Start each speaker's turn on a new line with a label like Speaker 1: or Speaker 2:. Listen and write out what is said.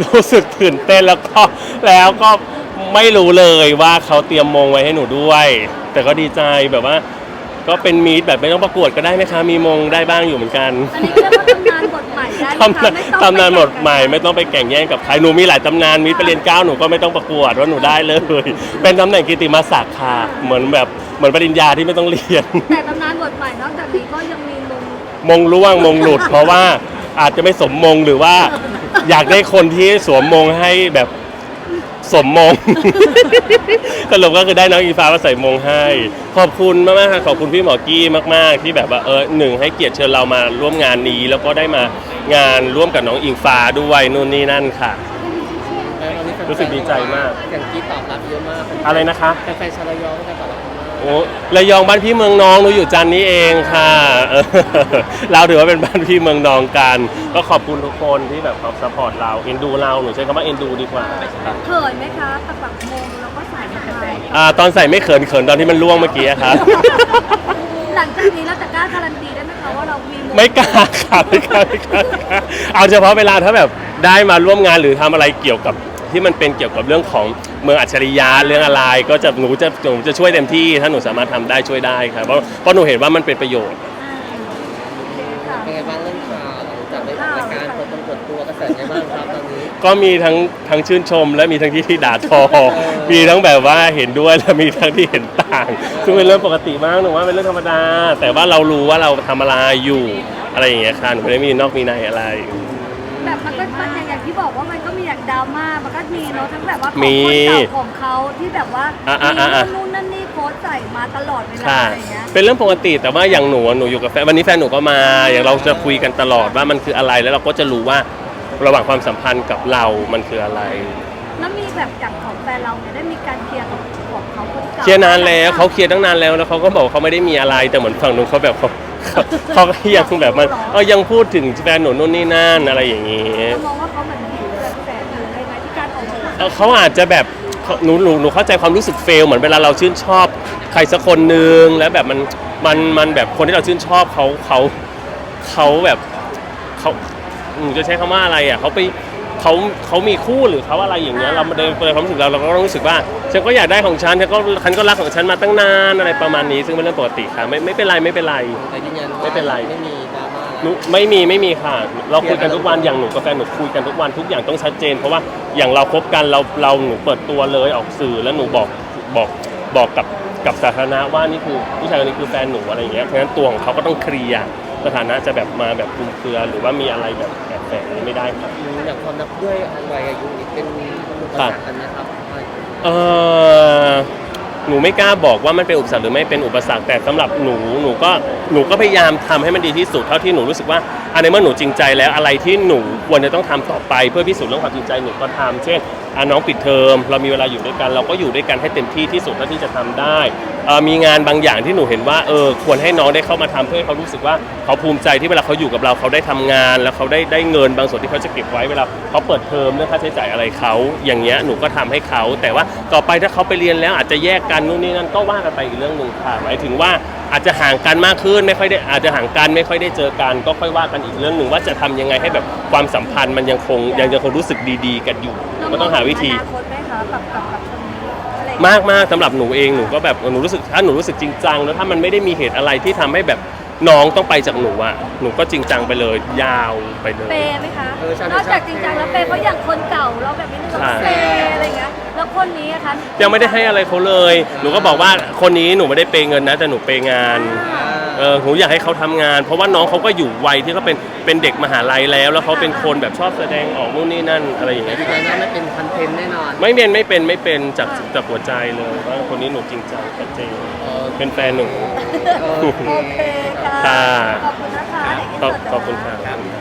Speaker 1: รู้สึกตื่นเต้นแล้วก็ไม่รู้เลยว่าเขาเตรียมมงไว้ให้หนูด้วย แต่ก็ดีใจแบบว่าก็เป็นมีดแบบไม่ต้องประกวดก็ได้ไหมคะมีมงได้บ้างอยู่เหมือนกัน
Speaker 2: อันนี้เรียกว่าตำนานบทใหม่ได้ไหมคะไม่ต้อง
Speaker 1: ตำนานบทใหม่ไม่ต้องไปแข่งแย่งกับใครหนูมีหลายตำนานมีไปเรียน9หนูก็ไม่ต้องประกวดว่าหนูได้เลยเป็นตำแหน่งกิตติมศักดิ์ค่ะเหมือนปริญญาที่ไม่ต้องเรียน
Speaker 2: แต่ตำนานบทใหม่นอกจากนี้ก็ยังมี
Speaker 1: มงร่วงมงหลุดเพราะว่าอาจจะไม่สมมงหรือว่าอยากได้คนที่สวมมงให้แบบสมมง สรุปก็คือได้น้องอีฟ้ามาใส่มงให้ขอบคุณมากๆค่ะขอบคุณพี่หมอกี้มากๆที่แบบว่าหนึ่งให้เกียรติเชิญเรามาร่วมงานนี้แล้วก็ได้มางานร่วมกับน้องอิงฟ้าด้วยนู่นนี่นั่นค่ะรู้สึกดีใจมาก
Speaker 3: อย่างที่ตอบรับเยอะมาก
Speaker 1: อะไรนะคะ
Speaker 3: แฟนๆชาวระยองก็ตอบรับ
Speaker 1: โอ้ระยองบ้านพี่เมืองน้องหนูอยู่จันทร์นี้เองค่ะเราถือว่าเป็นบ้านพี่เมืองน้องกันก็ขอบคุณทุกคนที่แบบเขาซัพพอร์ตเราเอ็นดูเราหนูใช้คำว่าเอ็นดูดีกว่า
Speaker 2: เขินไหมคะปักมงแล้วก็ใส่มา
Speaker 1: ตอนใส่ไม่เขินตอนที่มันล่วงเมื่อกี้ครับ
Speaker 2: หลังจากนี้เราจะกล้าการันตีได้ไหมคะว่าเรามีมง
Speaker 1: ไม่กล้าค่ะไม่กล้าเอาเฉพาะเวลาถ้าแบบได้มาร่วมงานหรือทำอะไรเกี่ยวกับที่มันเป็นเกี่ยวกับเรื่องของเมืองอัจฉริยะเรื่องอะไรก็จะหนูจะช่วยเต็มที่ถ้าหนูสามารถทำได้ช่วยได้ครับเพราะหนูเห็นว่ามันเป็นประโยชน์
Speaker 3: เป็นไงบ้างเรื่องข่าวหลังจากได้รายการเปิดตัวกระแสไงบ้างครับตอนนี้
Speaker 1: ก็มีทั้งชื่นชมและมีทั้งที่ด่าทอมีทั้งแบบว่าเห็นด้วยและมีทั้งที่เห็นต่างซึ่งเป็นเรื่องปกติมากหนูว่าเป็นเรื่องธรรมดาแต่ว่าเรารู้ว่าเราทำอะไรอยู่อะไรอย่างเงี้ยค่ะหนูไม่ได้มีนอกมีในอะไร
Speaker 2: แบบมันก็อย่างที่บอกว่ามันก็มีอย่างดราม่ามันก็มีเนาะทั้งแบบว่าของคนเก่าของเขาที่แบบว่ามีนู่นนั่นนี่โพสใส่มาตลอดเวลาอะไรเงี้ย
Speaker 1: เป็นเรื่องปกติแต่ว่าอย่างหนูอยู่กับแฟนวันนี้แฟนหนูก็มาอย่างเราจะคุยกันตลอดว่ามันคืออะไรแล้วเราก็จะรู้ว่าระหว่างความสัมพันธ์กับเรามันคืออะไร
Speaker 2: แล้วมีแบบอย่างของแฟนเราเนี่ยได้มีการเคลียร์กับของเขาคนเก่า
Speaker 1: เคลียร์นานแล้วเขาเคลียร์ตั้งนานแล้วเขาก็บอกเขาไม่ได้มีอะไรแต่เหมือนฝั่งนู้นเขาแบบเขาก็ยังแบบมันยังพูดถึงแฟนหนูนู่นนี่นั่นอะไรอย่างนี้
Speaker 2: มองว่าเขาเหมือนหิวแบบแฟนอยู่ในไหมที่การออกมา
Speaker 1: เขาอาจจะแบบหนูเข้าใจความรู้สึกเฟลเหมือนเวลาเราชื่นชอบใครสักคนนึงแล้วแบบมันแบบคนที่เราชื่นชอบเขาแบบเขาจะใช้คำว่าอะไรอ่ะเขามีคู่หรือเขาอะไรอย่างเงี้ยเราในความรู้สึกเราก็ต้องรู้สึกว่าฉันก็อยากได้ของฉันฉันก็รักของฉันมาตั้งนานอะไรประมาณนี้ซึ่งเป็นเรื่องปกติค่ะไม่เป็นไร
Speaker 3: แต่ยืนยัน
Speaker 1: ไม่เป็นไร
Speaker 3: ไม่มีดราม่า
Speaker 1: ไม่มีค่ะเราคุยกันทุกวันอย่างหนูกับแฟนหนูคุยกันทุกวันทุกอย่างต้องชัดเจนเพราะว่าอย่างเราคบกันหนูเปิดตัวเลยออกสื่อแล้วหนูบอกกับสาธารณะว่านี่คือผู้ชายคนนี้คือแฟนหนูอะไรอย่างเงี้ยเพราะฉะนั้นตัวของเขาก็ต้องเคลียร์สถานะจะแบบมาแบบคลุมเครือหรือว่ามีอะไรแบบแฝงนี้ไม่ได้ครับ
Speaker 3: อย่างความนับด้วยวัยอายุนี่เป็นอุปสรรคกันนะครับ
Speaker 1: หนูไม่กล้าบอกว่ามันเป็นอุปสรรคหรือไม่เป็นอุปสรรคแต่สำหรับหนูก็พยายามทำให้มันดีที่สุดเท่าที่หนูรู้สึกว่าในเมื่อหนูจริงใจแล้วอะไรที่หนูควรจะต้องทำต่อไปเพื่อพิสูจน์เรื่องความจริงใจหนูก็ทำเช่นน้องปิดเทอมเรามีเวลาอยู่ด้วยกันเราก็อยู่ด้วยกันให้เต็มที่ที่สุดเท่าที่จะทำได้มีงานบางอย่างที่หนูเห็นว่าควรให้น้องได้เข้ามาทำเพื่อให้เขารู้สึกว่าเขาภูมิใจที่เวลาเขาอยู่กับเราเขาได้ทำงานแล้วเขาได้เงินบางส่วนที่เขาจะเก็บไว้เวลาเขาเปิดเทอมเรื่องค่าใช้จ่ายอะไรเขาอย่างเงี้ยหนูก็ทำให้เขาแต่ว่าต่อไปถ้าเขาไปเรียนแล้วอาจจะแยกกันนู่นนี่นั่นก็ว่ากันไปอีกเรื่องนึงค่ะหมายถึงว่าอาจจะห่างกันมากขึ้นไม่ค่อยได้อาจจะห่างกันไม่ค่อยได้เจอกันก็ค่อยว่ากันอีกเรื่องนึงว่าจะทำยังไงให้แบบความสัมพันธ์มันยังคงรู้สึกดีๆกันอยู่ก็ต้องหาวิธีมากสำหรับหนูเองหนูก็แบบหนูรู้สึกถ้าหนูรู้สึกจริงจังแล้วถ้ามันไม่ได้มีเหตุอะไรที่ทำให้แบบน้องต้องไปจากหนูอ่ะหนูก็จริงจังไปเลยยาวไปเลย
Speaker 2: เปย์ไหมคะนอกจากจริงจังแล้วเปย์เพราะอย่างคนเก่าเราแบบนี้เราเปย์อะไรเงี้ยแล้วคนนี้คะ
Speaker 1: ยังไม่ได้ให้อะไรเขาเลยหนูก็บอกว่าคนนี้หนูไม่ได้เปย์เงินนะแต่หนูเปย์งานหนูอยากให้เขาทำงานเพราะว่าน้องเขาก็อยู่วัยที่เขาเป็นเด็กมหาลัยแล้วเขาเป็นคนแบบชอบแสดงออกนู่นนี่นั่นอะไรอย่างเงี้ย
Speaker 3: ยืนยันว่าไม่เป็นคอนเทนต์แน่นอน
Speaker 1: ไม่เป็นจากหัวใจเลยว่าคนนี้หนูจริงจังชัดเจนเป็นแฟนหนู
Speaker 2: โอเคค่ะขอบคุณนะคะ
Speaker 1: ขอบคุณค่ะ